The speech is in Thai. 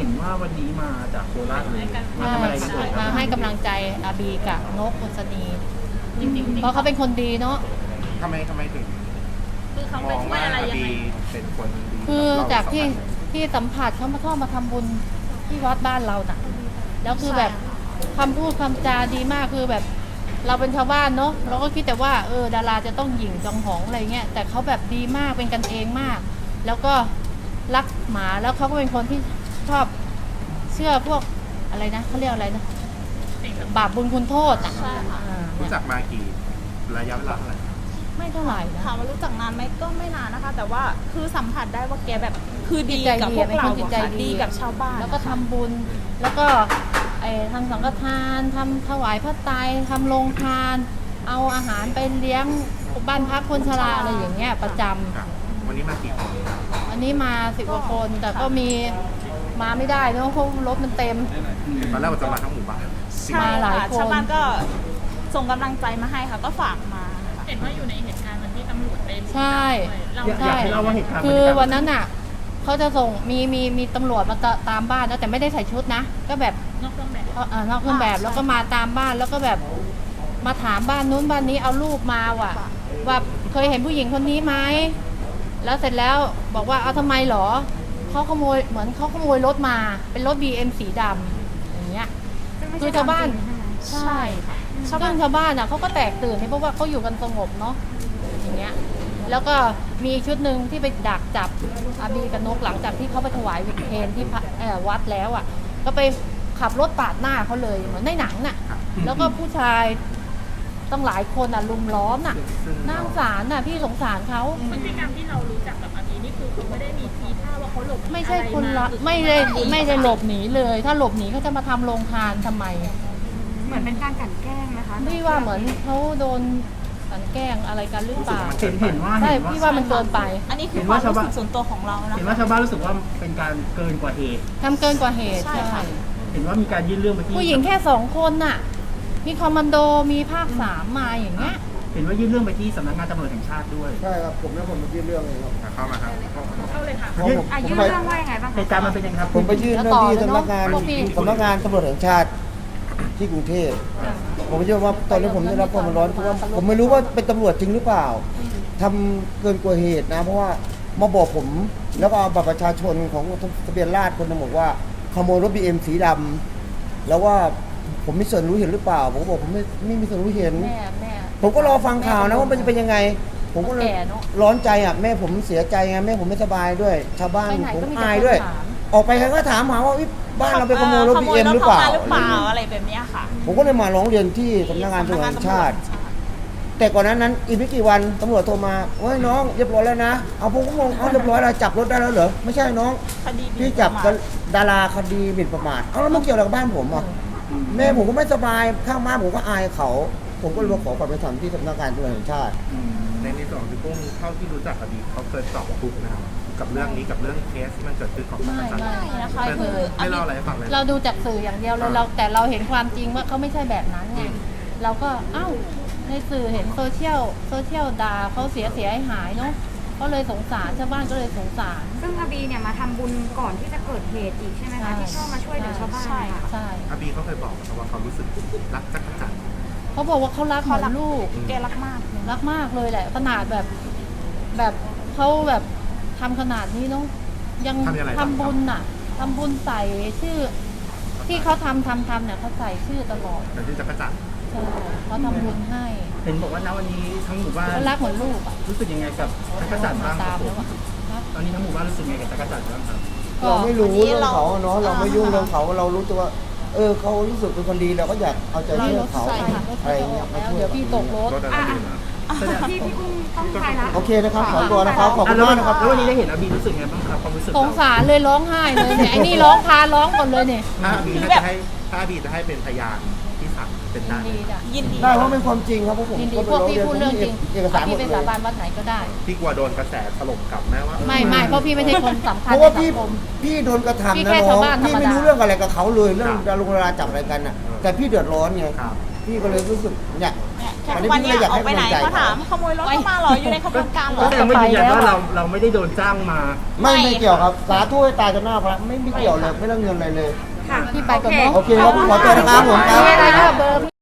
ห็นว่าวันนี้มาจากโคราชเลยมาทำอะไรกันเอ่ยมาให้กำลังใจอาบีกับนกอุศนีจริงๆเพราะเขาเป็นคนดีเนาะทำไมถึงคือเขามไปองช่วว่ายอะไรอายังบีไงเป็นคนดีคือบเรจากที่สองคนที่สัมผัสเขามาชอบมาทำบุญที่วัดบ้านเราน่ะ แล้วคือแบบคำพูดคำจาดีมากคือแบบ เราเป็นชาวบ้านเนาะเราก็คิดแต่ว่าดาราจะต้องหยิ่งจองหองอะไรเงี้ยแต่เขาแบบดีมากเป็นกันเองมาก แล้วก็รักหมาแล้วเขาก็เป็นคนที่ชอบเชื่อพวกอะไรนะเขาเรียกอะไรนะบาปบุญคุณโทษอ่ะใช่ค่ะรู้จักมากี่ระยะเวลาเท่าไหร่ไม่เท่าไหร่นะถามว่ารู้จักนานไหมก็ไม่นานนะคะ แต่ว่าคือสัมผัสได้ว่าแกแบบคือดีจิตใจกับดีพวกเราเป็นคนจิตใจค่ะดีดีกับชาวบ้านแล้วก็ทำบุญ แล้วก็ทำสังฆทานทำถวายพระไตรทำโรงทาน เอาอาหารไปเลี้ยงบ้านพักคนชราอะไรอย่างเงี้ยประจำครับวันนี้มากี่คนอันนี้มา10 กว่าคน แต่ก็มีมาไม่ได้เนอะเพราะรถมันเต็มตอนแรกว่าจะมาทั้งหมู่บ้านใช่มาหลายค่ะคนชาวบ้านก็ส่งกำลังใจมาให้ค่ะ ก็ฝากมาค่ะเห็นว่าอยู่ในเหตุการณ์วันที่ตำรวจไปใช่เราอยากใช่ให้เล่าว่าเหตุการณ์คือวันนั้นน่ะเขาจะส่งมีตำรวจมาตามบ้านนะแต่ไม่ได้ใส่ชุดนะ ก็แบบนอกเครื่องแบบนอกเครื่องแบบแล้วก็มาตามบ้านแล้วก็แบบมาถามบ้านนู้นบ้านนี้เอารูปมาว่าเคยเห็นผู้หญิงคนนี้ไหมแล้วเสร็จแล้วบอกว่าเอาทำไมหรอเขาขโมยเหมือนเขาขโมยรถมาเป็นรถ BM สีดำอย่างเงี้ยคือชาวบ้านใช่ชาวบ้านอ่ะเขาก็แตกตื่นเพราะว่าเขาอยู่กันสงบเนาะอย่างเงี้ยแล้วก็มีชุดหนึ่งที่ไปดักจับอาบีกับนกหลังจากที่เขาไปถวายเพลที่วัดแล้วอ่ะก็ไปขับรถปาดหน้าเขาเลยเหมือนในหนังน่ะ แล้วก็ผู้ชายต้องหลายคนอ่ะลุมล้อมน่ะน่าสงสารน่ะพี่สงสารเขาพฤติกรรมที่เรารู้จักกับอาบีนี่คือเขาไม่ได้มีทีท่าว่าเขาหลบหนีไม่ใช่อะไรคนมาละคือไม่ได้หลบหนีเลย ถ้าหลบหนีเขาจะมาทำโรงทานทำไมเหมือนเป็นการกลั่นแกล้งไหมคะพี่ว่าเหมือนเขาโดนกลั่นแกล้งอะไรกันหรือเปล่าเห็นว่าใช่พี่ว่ามันเกินไปอันนี้คือความรู้สึกส่วนตัวของเรานะเห็นว่าชาวบ้านรู้สึกว่าเป็นการเกินกว่าเหตุทำเกินกว่าเหตุใช่ใช่ค่ะเห็นว่ามีการยื่นเรื่องไปที่ผู้หญิงแค่2 คนน่ะ มีคอมมานโดมีภาค3มาอย่างเงี้ยเห็นว่ายื่นเรื่องไปที่สำนักงานตำรวจแห่งชาติด้วยใช่ครับผมแล้วผมมายื่นเรื่องเลยครับเข้ามาครับเข้าเลยค่ะเพราะผมยื่นไปเรื่องว่ายังไงบ้างเหตุการณ์มันเป็นยังไงครับผมไปยื่นเรื่องที่สำนักงานแล้วต่อเลยเนอะสำนักงานตำรวจแห่งชาติที่กรุงเทพผมไม่เชื่อว่าตอนนี้ผมได้รับความร้อนเพราะว่าผมไม่รู้ว่าเป็นตำรวจจริงหรือเปล่าทำเกินกว่าเหตุนะ เพราะว่ามาบอกผมแล้วก็เอาบัตรประชาชนของทะเบียนราษฎร์คนหนึงบอกว่าขโมยรถ BM สีดำแล้วว่าผมมีส่วนรู้เห็นหรือเปล่าผมก็บอกผมไม่มีส่วนรู้เห็นแม่ผมก็รอฟังข่าวนะว่ามันจะเป็นยังไง ผมก็เลยแก่เนอะร้อนใจอ่ะแม่ผมเสียใจไงแม่ผมไม่สบายด้วย ชาวบ้านไปไหนผมก็มีแต่อายคนด้วยถามออกไปใครก็ถามหาว่าอุ๊ยบ้านเราไปขโมยรถ BM หรือเปล่าขโมยถเข้มหรือเปล่าอะไรแบบเนี้ยค่ะผมก็เลยมาร้องเรียนที่สำนักงานตำรวจแห่งชาติ แต่ก่อนนั้นอีกไม่กี่วันตำรวจโทรมาว่าน้องเรียบร้อยแล้วนะเอาผมก็งงเอาเรียบร้อยแล้วจับรถได้แล้วเหรอไม่ใช่น้องคดีพี่จับดาราคดีหมิ่นประมาทเอาแล้วมันเกี่ยวอะไรกับบ้านผมอ่ะแม่ผมก็ไม่สบายข้างบ้านผมก็อายเขา ผมก็เลยมาขอความเป็นธรรมที่สำนักงานตำรวจแห่งชาติในส่วนของพี่กุ้งเท่าที่รู้จักอาบีเขาเคยตอบทุกข์นะครับกับเรื่องนี้กับเรื่องเคสที่มันเกิดขึ้นของไม่ประชาชนไม่นะคะไม่คือไม่เล่าอะไรให้ฟังเลยเราดูจากสื่ออย่างเดียวเลยแต่เราเห็นความจริงว่าเขาไม่ใช่แบบนั้นไงเราก็ในสื่อเห็นโซเชียลด่าเขาเสียหายเนาะก็เลยสงสารชาวบ้านก็เลยสงสารซึ่งอาบีเนี่ยมาทำบุญก่อนที่จะเกิดเหตุอีกใช่ไหมใช่คะที่ชอบมาช่วยเหลือชาวบ้านใช่ค่ะใช่อาบีเขาเคยบอกนะครับว่าเขารู้สึกรักจักรจันทร์เขาบอกว่าเขารักเหมือนลูกแกรักมากรักมากเลยแหละขนาดแบบเขาแบบทำขนาดนี้เนาะยังทำบุญน่ะทำบุญใส่ชื่อ ที่เขาทำเนี่ยเขาใส่ชื่อตลอดแต่ที่จักรจันทร์ใช่เขาทำบุญให้เห็นบอกว่าณวันนี้ทั้งหมู่บ้านเขารักเหมือนลูกอ่ะรู้สึกยังไงกับจักรจันทร์บ้างคตารับมแล้วอ่ะนะตอนนี้ทั้งหมู่บ้านรู้สึกยังไงกับจักรจันทร์บ้างครับเราไม่รู้เรื่องเขาอะเนาะเราไม่ยุ่งอ่าเรื่องเขาเรารู้ตัวว่าเขารู้สึกเป็นคนดีเราก็อยากเอาใจเราช่วยรถเขาใส่ค่ะรถอะไรจะอเงี้อย กมาแล้วช่วยเดี๋ยวพี่ตกรถรถอะไรดีนะพี่อุ้มต้องไปละโอเคนะครับขอตัวนะครับขอบคุณมากนะครับแล้ววันนี้ได้เห็นอาบีรู้สึกไงบ้างครับความรู้สึกสงสารเลยร้องไห้เลยเนี่ยไอ้นี่ร้องก่อนเลยเนี่ยถ้าอาบีจะให้เป็นพยานที่ศาลเป็นได้ดีจ้ะยินดีได้เพราะเป็นความจริงครับเพราะผมยินดีก็พวกไปพี่พูดเรื่องจริงเอกสารหมพี่ดไปเลสาย บานวัดไหนก็ได้พี่กลัวโดนกระแสถล่มกลับแม้ว่าไม่เพราะพี่ไม่ใช่คนสำคัญเพราะในว่าสังคมพี่โดนกระพี่ทำนะแค่น้ชาอวงบ้านพี่ไม่ธรรมดารู้เรื่องอะไรกับเขาเลยเรื่องดารุงดาราจับอะไรกันน่ะแต่พี่เดือดร้อนไงครับพี่ก็เลยรู้สึกเนี่ยอันนี้วันพี่เนี้เลย ยอยากออให้กไปกำไหนลังใจเขาถามขโมยรถเข้ามาเหรออยู่ในขบวนการเหรก็อแสดงว่ายืนยันว่าเราไม่ได้โดนจ้างมาไม่เกี่ยวครับสาธุให้ตายจนหน้าพระไม่เกี่ยวเลยไม่ต้องเงินอะไรเลยค่ะพี่ไปก่อนเนาะโอเคครับขอตัวนะครับผมครับมีอะไรก็เบอร์